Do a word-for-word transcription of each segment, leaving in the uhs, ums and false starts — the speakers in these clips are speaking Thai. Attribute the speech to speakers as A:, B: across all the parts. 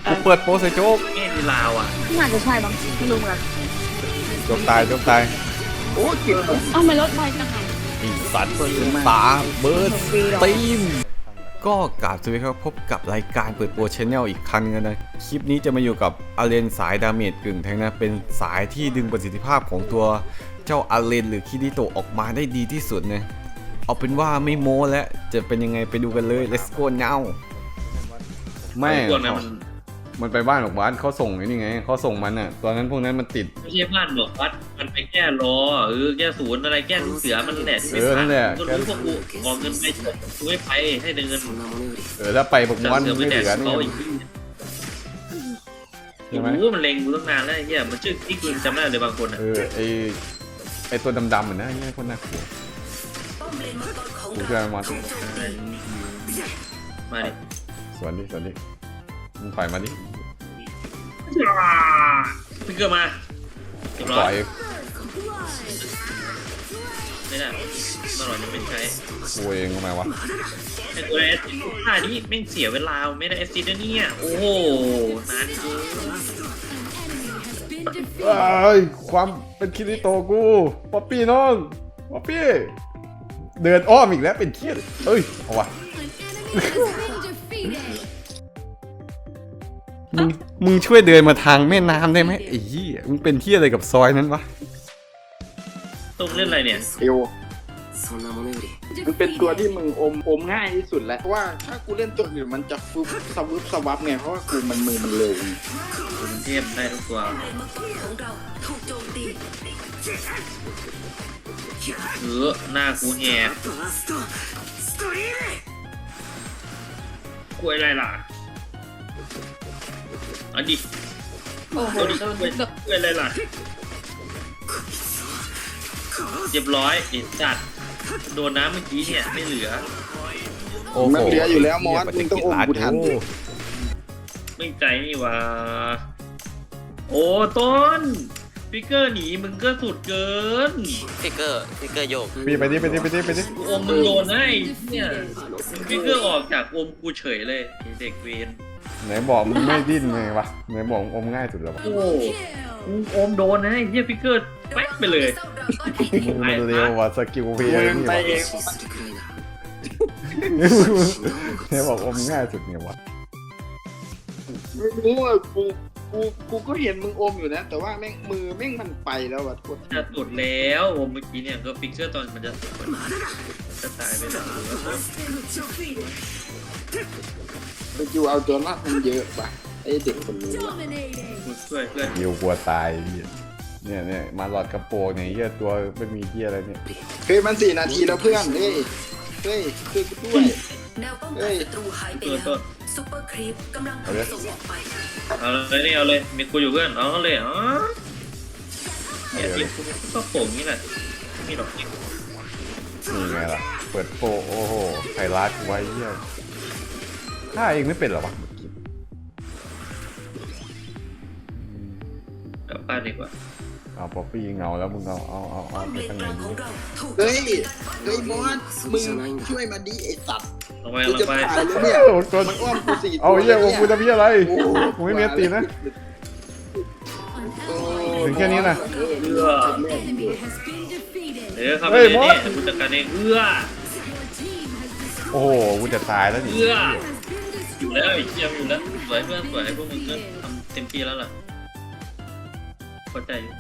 A: กูเปิดโปรใส่โจ๊ก
B: แง่ดีลาวอ่ะ
C: น่าจะใช่บ้างไม่รู้เหมือนกัน
A: โจ๊กตายโจ๊กตาย
D: โอ้เก็บผม
C: เอ้าไม่ลดไปจังไง
A: ไอ้สัตว์ตาเบิร์ดตีมก็กราบสวัสดีครับพบกับรายการเปิดโปรชแนลอีกครั้งนึงนะคลิปนี้จะมาอยู่กับอาเลนสายดาเมจกึ่งแทงนะเป็นสายที่ดึงประสิทธิภาพของตัวเจ้าอาเลนหรือคิริโตะออกมาได้ดีที่สุดนะเอาเป็นว่าไม่โม้แล้วจะเป็นยังไงไปดูกันเลย let's go now ไม่
B: ตัวนั้นมัน
A: มันไปบ้านบอกบ้านเขาส่งไอ้นี่ไงเขาส่งมันอ่ะตอนนั้นพวกนั้นมันติด
B: ไม่ใช่บ้านบอกวัดมันไปแก้รอเออแก้ศูนย์อะไรแก้ลูกเสือมันแหละที่ไม่
A: เออนั่นแหละ
B: ก็รู้พวกกูออกเงินไปกูไม่ไปให้เดินเงิน
A: เออถ้าไปบอก
B: จั
A: บ้าน
B: เสือไป
A: ไม่
B: แด
A: เห
B: ก
A: ลือนี่
B: เขาอีก
A: ใช่ไหม
B: โอ้โหมันเล็งกูตั้งนานแล้วไอ้เหี้ยมันชื่อที่กูจำได้เลยบางคนอ่ะ
A: เออไอไอตัวดำๆเหมือนนะไอ้เนี่ยคนน่ากลัวกูช่วยมันมา
B: มาดิ
A: สวนดิสวนดิมึงปล่อยมาดิ
B: พิกเกอร์มาเรียบร้
A: ป
B: อ
A: ล่อย ย
B: ไม่ได้มาหน่อยยังไม่ใช้
A: กูเองทำไมวะ
B: ไอ้ตัวเอสท่านี้แม่งเสียเวลาไม่ได้เอสซีนะเนี่ยโอ้โหนานเกิน
A: เอ้ยความเป็นคิริโตะกูป๊อปปี้น้องป๊อปปี้เดินอ้อมอีกแล้วเป็นเทียดเอ้ยเอาวะมึงมึงช่วยเดินมาทางแม่น้ำได้ไหมไอ้ยี่มึงเป็นเทียอะไรกับซอยนั้นวะ
B: ต้องเล่นอะไรเนี่ย
D: เอวมันเป็นตัวที่มึงอมอมง่ายที่สุดแล้วเพราะว่าถ้ากูเล่นตัวอื่นมันจะฟึบสวุบสวับไงเพราะว่ากูมันมือมันเร็ว
B: กรุงเทพได้ทุกตัวเออหน้ากูแหกกล้วยอะไรล่ะเอันดิ
C: โอ้โห
B: เอาดิ
C: โดน
B: กล้วย
C: แบบ
B: กล้วยอะไรล่ะเรียบร้อยไอ้จัดโดนน้ำเมื่อกี้เนี่ยไม่เหลือ
A: โอ้โห
D: มันเหลืออยู่แล้วมอสมึงต้องอมกูทัน
B: ไม่ใจนี่หว่าโอ้ต้นฟิกเกอร์หนีมึงก็สุดเกิน
E: ฟิกเกอร์ฟิกเกอร์โยก
A: ปีไปดิไปดิไปดิไปดิ
B: กูอมมึงโดนให้เนี่ยมึงฟิกเกอร์ออกจากอมกูเฉยเลยไอ้เด็กเวน
A: ไหนบอกมึงไม่ดิ้นไงวะไหนบอกอมง่ายสุดแล้ววะ
B: โอ้กูอมโดนให้เฮียฟิกเกอร์แป๊กไปเลย
A: มึงมันเร็วว่ะสกิลเพลย์
D: มึง
A: นี่
D: ไป
A: วะ
D: เอง
A: ไหนบอกอมง่ายสุดไงวะ
D: ไม่รู้อ่ะกูกูกูก็เห็นมึงอมอยู่นะ แต่ว่าแม่งมือแม่งมันไปแล้วอ่ะทุกคน
B: จะสุดแล้วอมเมื่อกี้เนี่ยก็ฟิกเกอร์ตอนมันจะสุดจะตายไปแล้ว
D: ไปดูเอาตัวรอดมันเยอะป่ะไอเด็กคนนี้ว่ะ
B: กูช่วยเพื่อน
A: ยิวกลัวตายเหี้ยเนี่ยเนี่ยมาหลอดกระโปรงเนี่ยเหี้ยตัวไม่มีเหี้ยอะไรเนี่ย
D: เฮ้ยมันสี่นาทีแล้วเพื่อนเฮ้ยเฮ้ยคือกูด้วย
F: แนวป้องกันศัตรูหายไป
B: ตัว
F: แล้ว
B: ต้น
F: ซุปเปอร์ครีปกำลังถูกส่งออกไป
B: เอาเลยนี่เอาเลยมีกูอยู่เพื่อนเอาเลยอ๋อเนี่ยทีมกูก็โป่งนี้แหละไม่มีหรอกจริง
A: นี่ไงล่ะเปิดโปรโอ้โหไฮไลท์ไว้เหี้ยฆ่าเองไม่เป็นเหรอวะ
B: กลับบ้านดีกว่า
A: เอาป๊อปปี้เงาแล้วมึงเอาเอาเอาเอา
F: ป้อม
A: ไป
F: เลน
A: ข้าง
F: ก
A: ใน
F: ลาง
A: ดิ
F: ของเราถูก
D: เฮ้ยเฮ้ยมอสมึงช่วยมาดิไอสัตว์
B: ลงไป
D: กู
B: ล
D: จะ
B: งไป
D: ตายแล้วเนี่ย
A: โอ้ตัว
D: มันอ้อมกูสี่
A: เอาเหี้ย
D: ตัว
A: กูจะพี่อะไร
D: โอ้โห
A: กูไม่มีอันตีนะ
D: โอ้
A: ถึงแค่นี้นะ
B: เอื้อเดี๋ยวเข้าไป
A: เฮ้
B: เลย ย
A: มอ
B: นี่
A: ส
B: กูจัดการเองเอื้อ
A: โอ้โหกูจะตายแล้วดิ
B: เอื้ออยู่แล้วไอ้เจียมอยู่แล้วสวยเพื่อนสวยพวกมึงก็ทำเต็มที่แล้วล่ะเข้าใจอยู่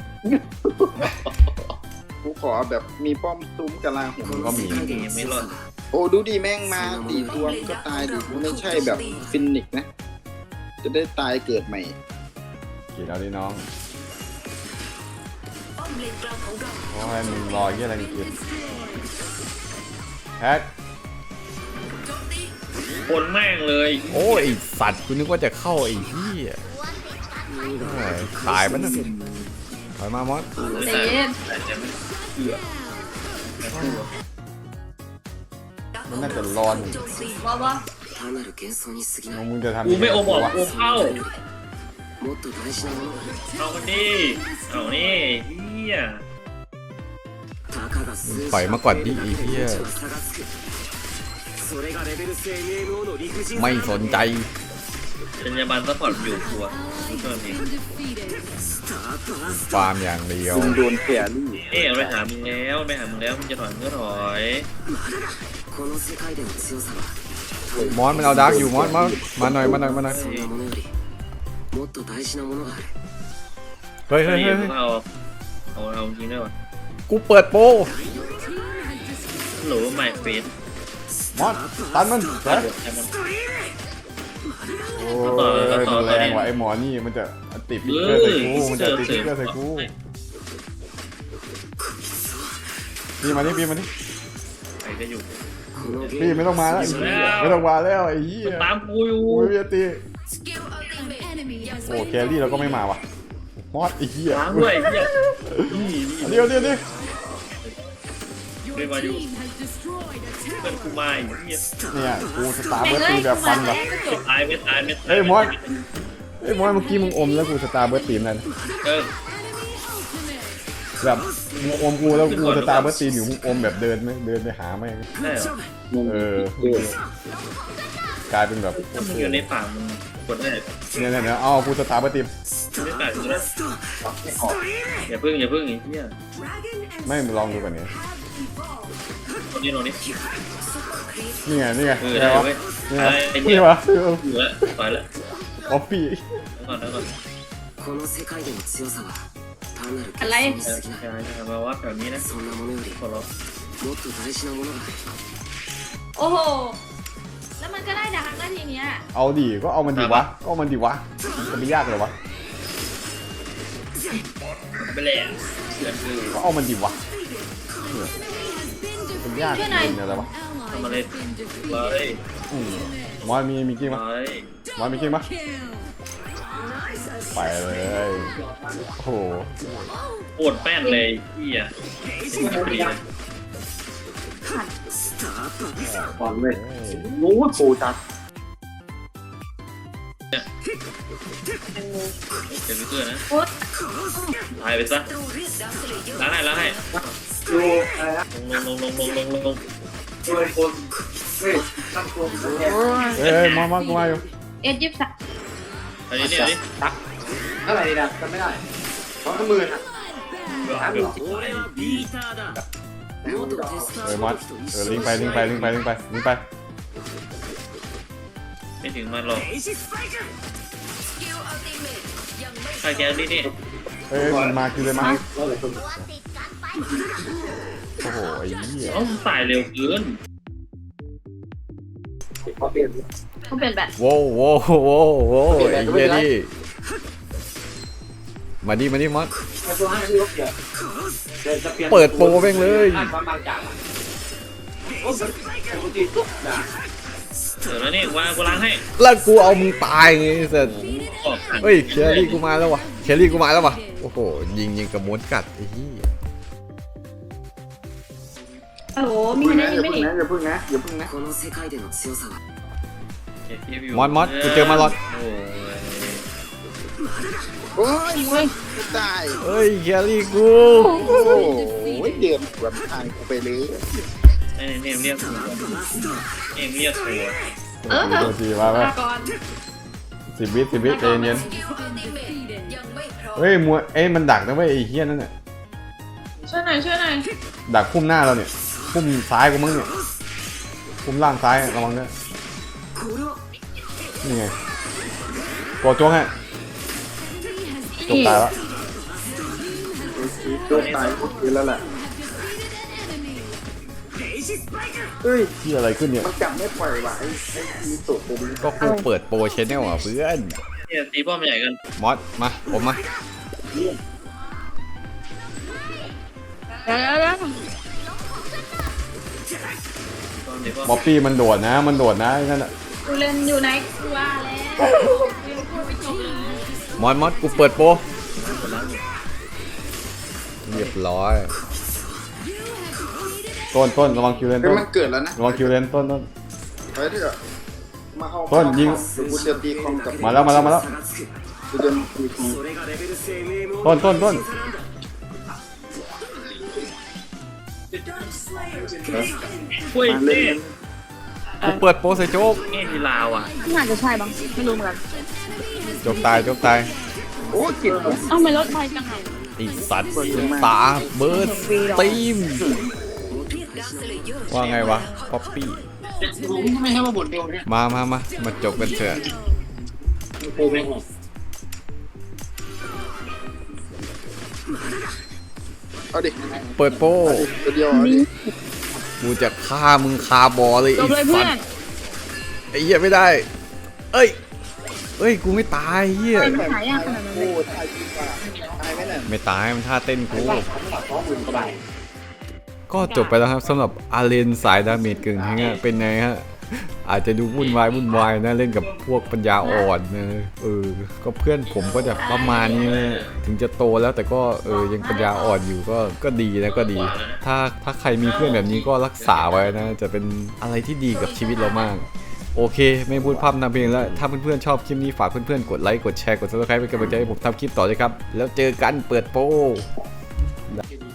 D: กูขอแบบมีป้อมซุ้มกะลาหัว
A: ก็มี
B: ยังไม่รอด
D: โอ้ดูดิแม่งมาตีตัวมันก็ตายดิกูไม่ใช่แบบฟินิกซ์นะ จะได้ตายเกิดใหม่
A: กี่แล้วดิน้อง
F: ป้อมเลนกลางของเรา
A: เพราะให้มึงรอเหี้ยอะไรนี่กินแฮ็ก
F: โจมตี
B: คนแม่งเลย
A: โอ้ยไอ้สัตว์กูนึกว่าจะเข้าไอ้เหี้ยโอ้ยตายปะเนี่ยถอยมามอส
B: ไม่
C: ใจ
B: ตาย
C: เย็น
B: แต่จะไม่เอื้อแต่ตัว
A: มันน่าจะร้อน
F: โจมตี
C: ว่าว่า
E: 単なる幻想に過ぎない
A: มึงจะทำ
B: กูไม่โอบอก
A: วะ
B: กูเข้า
E: もっと大事なものが
B: เอามันดิเอานี่เฮีย
E: たかが数
A: ปล่อยมาก่อนดิไอ้เหี้ย
E: は差がつくそれがレベルス エムエムオー の理不尽
A: ไม่สนใจ
B: จรรยาบรรณซัพพอร์ตอยู่ตัวนี่ก็มี
A: ฟาร์มอย่างเดียว
D: มึงโดนแครี่
B: เอ๊ะไปหามึงแล้วไปหามึงแล้วมึงจะถอยมึงก็ถอย
E: この世界での強さは
A: มอสมันเอาดาร์กอยู่มอสมอสมาหน่อยมาหน่อยมาหน่อย
E: そんなものよりもっと大事なものがある
A: เฮ้ยเฮ้ย
B: นี่
A: เฮ้ย
B: มึงเอาเอาเอาจริงด้วยวะ
A: กูเปิดโปร
B: หรือว่าไมเฟส
A: มอสตันมันเฮ้ย
B: แต่มัน
A: โอ้ยมันแรงว่ะไอ้หมอนี่มันจะติดพิกเกอร์ใส่กูมันจะติดพิกเกอร์ใส่กูพี่มานี่พี่มานี่
B: ใครจะอยู่
E: このゲ
A: พี่
E: ーム
A: ไม่ต้องมาแล้วไอ้เหี้ยไม่ต้องมาแล้วไอ้เหี้ย
B: มันตามกูอยู่
A: กูไม่มีตี
F: สกิลอัลติเมทยัง
A: โอ้แครี่เราก็ไม่มาว่ะมอสไอ้เหี้ย
B: ล้างด้วยเนี่ยนี่นี่
A: เดี๋ยวเดี๋ยวเดี๋ยว
B: ไม่มาอยู่เพื่อนกูมาอีกเนี่ย
A: เนี่ยกูสตาร์เบิร์ดตีแบบฟันแบบ
B: ไม่ตายไม่ตายไม่ตาย
A: เฮ้ยมอสเฮ้ยมอสเมื่อกี้มึงอมแล้วกูสตาร์เบิร์ดตีมนั่น
B: เออ
A: แบบมึงอมกูแล้วกูสตาร์เบิร์ดตีมอยู่มึงอมแบบเดินไหมเดินไปหาไหม
B: ได้เหรอ
A: เออกลายเป็นแบบ
B: ถ้ามึงอยู่ในป่ามึงกดได้
A: เนี่ยเนี่ยเนี่ยเอากูสตาร์เบิร์ดตีม
B: ไม่ตายกูแล้วอย่าพึ่งอย่าพึ่งไอ้เหี้ย
A: ไม่ลองดูก่อนเนี่ย
B: คนนี้โน่นนี่
A: นี่ไงนี่ไง
B: เออ
A: นี่ไง
B: ได้
A: วะ
B: เว้ย
A: นี่ไง
B: ไอ้
A: นี่
B: เนี่ย
A: วะ
B: อยู่แล้วไปแล้ว
A: ออฟฟี่
B: แล้วก่อนแล้วก่อน
E: この世界での強さは単なる
C: อะไร
E: 幻想に
B: ใช่
E: 過ぎない
B: ใช่ใช่มาวัดแบบนี้นะ
E: そんなものより
B: ขอร้อง
E: もっと大事なものがある
C: โอ้โห แล้วมันก็ได้ดักหน้าทีเนี้ย
A: เอาดิก็เอามันดิวะก็เอามันดิวะจะไม่ยากเลยวะ
B: ไปแล้วเพื่อนคือ
A: ก็เอามันดิวะเป็นยากเกินอะไรวะ
B: ทำอะไรเลย
A: อืมมอนมีมีกิ้ง
B: ไป
A: ปะมอนมีกิ้งปะไปเลยโอ้โห
B: ปวดแป้นเลยเหี้ยเป็นดีเลย
D: บอลเว้ย
A: เฮ้ย
D: โอ้ยปูจัด
B: เจ็บไปเพื่อนนะ
C: โอ๊ย
B: ตายไปซะล้างให้ล้างให้
D: ดูอะไรนะ
B: ลงลงลงลงลงลง
D: ดูไอ้คนเฮ้ยตั้งตัวเนี่ย
A: เฮ้ยมอนมอนกูมาอยู่
C: เอ็ดยิบสาม
B: อันนี้เนี่ยดิ
D: เท่าไหร่ดีนะจำไม่ได้สองหมื่นอ่ะสามหมื่น
E: 俺はビーターだ元テスタ
A: เอ
E: ー
A: อ
E: ズ
A: มอ
E: マ
A: น
E: ークと一
A: เออ
E: 緒
A: ลิง
E: に
A: ไปลิงไปลิงไปลิงไปลิงไป
B: ไม่ถึงมันหรอก
F: สกิลอัลติเมทยังไม่
B: ใครแกนี่นี่
A: เฮ้ยมันมาคือเลยมาโอ้โหไอ้เหี้ย
B: ต้องตายเร็วเกิน
D: เขาเปลี่ยน
C: เขาเป็นแบบ
A: โว้วโว้วโว้วโว้วไอ้เหี้ยนี่มาดิมาดิมอน
D: มาตัวห้าที่รถเดียวเดี๋ยวจะเปลี่ยน
A: เปิดโปรแม่งเลย
D: อ่านบางจากอ่ะโอ้ยปกติตุ๊กด่า
B: เดี๋ยวแล้วนี่วางกูล้างให้
A: แล้วกูเอามึงตายไงเสร็จ
B: ออกหัน
A: เฮ้ยเคลรี่กูมาแล้ววะเคลรี่กูมาแล้ววะโอ้โหยิงยิงกับม้วนกัดไอ้เหี้ย
C: โอ้โห มี
D: พึ่ง
C: คะแน
D: นะ
C: น
D: อย่า
C: ไม่
D: พึ่ง
C: ดี
D: นะอย่าพึ่งนะอย่าพึ่งนะ
E: この世界での強さは
A: มอนมอนกูเจอมาลอน
B: โอ้ย
D: โอ้ยมึงจะตาย
A: เฮ้ยเคลรี่กู
D: โอ้ยเดือดกว่าทางกูไปเลย
B: ไอ้เนี่ยเรียกหัวเอ็มเรียกหัว
C: เออ
A: โดนทีมาไหม
C: ลาก่อน
A: สิบวิสิบวิใจเย็น
F: สกิลอัลติเมทยังไม่พร้อม
A: เฮ้ยมัวเอ้ยมันดักนะเว้ยไอ้เหี้ยนั่นน่ะ
C: ช่วยหน่อยช่วยหน่อย
A: ดักพุ่มหน้าเราเนี่ยพุ่มซ้ายกูมั้งเนี่ยพุ่มล่างซ้ายระวังด้วยนี่ไงกดโจ้งฮะจบตายแล้ว
D: โดนตายหมดเลยแล้วแหละเฮ้ย
A: ที่อะไรขึ้นเนี่ย
D: มันจับไม่ปล่อยว่ะไอ้ไอ้มีตุ่ตัวนี้
A: ก็กูเปิดโปรชแนลอ่ะเพื่อน
B: เนี่ยตีป้อมใหญ่กัน
A: มอสมาผมมา
C: เดี๋ยวเดี๋ยวเดี๋ยว
B: ป้อมตีป้อม
A: บ๊อบปี้มันโดดนะ มันโดดนะไอ้นั่นอ่ะ
C: กูเล่นอยู่ไหนกูว่าแล้วยังพูดไม่จบเลย
A: มอสมอสกูเปิดโปรเรียบร้อยต้นต้นระวังคิวเลน
D: เฮ้ย
A: ต้น
D: มันเกิดแล้วนะ
A: ระวังคิวเลนต้นต้น
D: ไปเถอะมาเข้า
A: ต้นยิง
D: เดี๋ยวกูจะตีคอมกับ
A: มาแล้วมาแล้วมาแล้ว
D: กูจะตีคอม
E: それがレベル エムエム
A: ต้นต้นต้น
B: ช่วย
D: มา
B: เต้
D: เล่น
A: กูเปิดโปรใส่โจ๊ก
B: เงี้ยทีลาวอ่ะ
C: น่าจะใช่บ้างไม่รู้เหมือนกัน
A: โจ๊กตายโจ๊กตาย
D: โอ้กิน
C: เอ้าไม่รถไฟจังไง
A: ไอ้สัตว์ตาเบิร์ดตีมว่าไงวะป๊อปปี้
D: ไม่ให้มาบทเดียวเนี่ย
A: มามามามาจบกันเถอะ
D: โอ้ไม่หกเอาดิ
A: เปิดโป้
D: ตัวเดียวเอาดิ
A: กูจะฆ่ามึงคาบอเลย
C: จ
A: ไอ้
C: บเลยเพื่
A: สั
C: อ
A: ต
C: น
A: ว์ไอ้เหี้ยไม่ได้ เอ้ยเอ้ยกูไม่ตายเหี้ย
C: ไม่หายากขนาดนั้นเล
D: โอ้
C: ย
D: ตายจริงป่ะตายไหมเนี่ย
A: ไม่ตายมันท่าเต้นกู
D: ท้องมึงสบาย
A: ก็จบไปแล้วครับสำหรับอาเลนสายดาเมจกึ่งฮะเป็นไงฮะอาจจะดูวุ่นวายวุ่นวายนะเล่นกับพวกปัญญาอ่อนนะเออก็เพื่อนผมก็จะประมาณนี้นะถึงจะโตแล้วแต่ก็เออยังปัญญาอ่อนอยู่ก็ก็ดีนะก็ดี ถ้าถ้าใครมีเพื่อนแบบนี้ก็รักษาไว้นะจะเป็นอะไรที่ดีกับชีวิตเรามาก โอเค ไม่พูดพร่ำทำเพลงแล้วถ้าเพื่อนๆชอบคลิปนี้ฝากเพื่อนๆกดไลค์กดแชร์กด ซับสไครบ์เป็นกำลังใจให้ผมทำคลิปต่อเลยครับแล้วเจอกันเปิดโปร